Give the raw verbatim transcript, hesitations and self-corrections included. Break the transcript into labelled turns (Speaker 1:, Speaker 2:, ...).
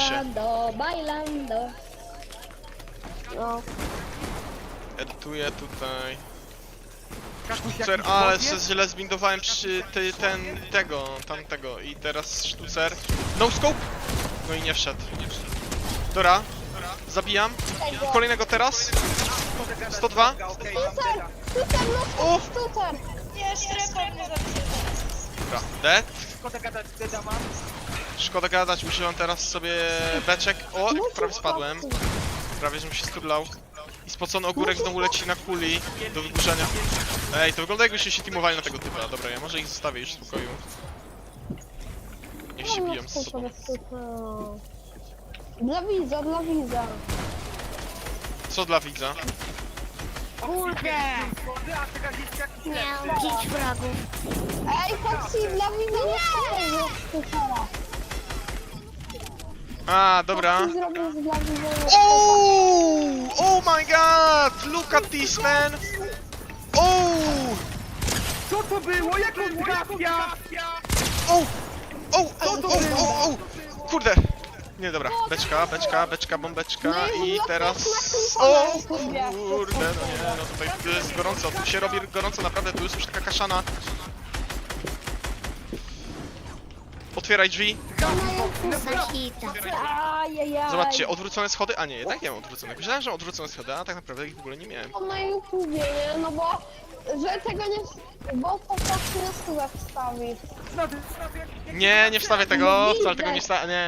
Speaker 1: Bailando, bailando. No.
Speaker 2: Edytuję tutaj.
Speaker 3: Kakuś,
Speaker 2: Sztucer,
Speaker 3: jakiś
Speaker 2: ale
Speaker 3: bot
Speaker 2: się
Speaker 3: jest?
Speaker 2: źle zbindowałem przy ty, ten, tego, tamtego. I teraz sztucer. No scope! No i nie wszedł. Dobra, zabijam. Kolejnego teraz. sto dwa.
Speaker 3: Okej, mam
Speaker 1: Sztucer!
Speaker 3: deda.
Speaker 1: Sztucer, no
Speaker 2: O!
Speaker 1: sztucer!
Speaker 4: Nie, strefa mnie zaczyna.
Speaker 2: Dobra, dead.
Speaker 3: Szkoda gadać, deda mam.
Speaker 2: Szkoda gadać, używam teraz sobie beczek. O,
Speaker 1: No
Speaker 2: prawie spadłem. Prawie, żebym się sturlał. I spocony ogórek znowu leci na kuli do wyburzenia. Ej, to wygląda jakbyście się teamowali na tego typa. Dobra, ja może ich zostawię już w spokoju. Niech się biją z sobą.
Speaker 1: Dla widza, dla widza.
Speaker 2: Co dla widza?
Speaker 4: Kurde!
Speaker 3: Schody, a ty gadzisz jakiś
Speaker 4: Miał pięć wrogów.
Speaker 1: Ej, Foxy, dla widza nie zrobił sztucera.
Speaker 2: A, dobra.
Speaker 1: Foxy zrobił z dla widza.
Speaker 2: Oh! Oh my god! Look at this, man! Oh!
Speaker 3: Co to było? Jak on trafia?
Speaker 2: Oh! Oh! Oh! Oh! Oh! Oh! Kurde! Nie, dobra. Beczka, beczka, beczka, bombeczka i teraz... O! Kurde, no nie, no tutaj tu jest gorąco, tu się robi gorąco, naprawdę, tu jest już taka kaszana. Otwieraj drzwi.
Speaker 4: Sahita.
Speaker 1: Ajajaj.
Speaker 2: Zobaczcie, odwrócone schody, a nie, jednak nie mam odwróconych. Myślałem, że mam odwrócone schody, a tak naprawdę ich w ogóle nie miałem.
Speaker 1: To na YouTubie, nie? No bo, że tego nie... Bo to Foxy na stówę wstawi.
Speaker 3: Znowu, znowu, jak- jak-
Speaker 2: Nie, nie wstawię tego, wcale tego nie wstawię, nie.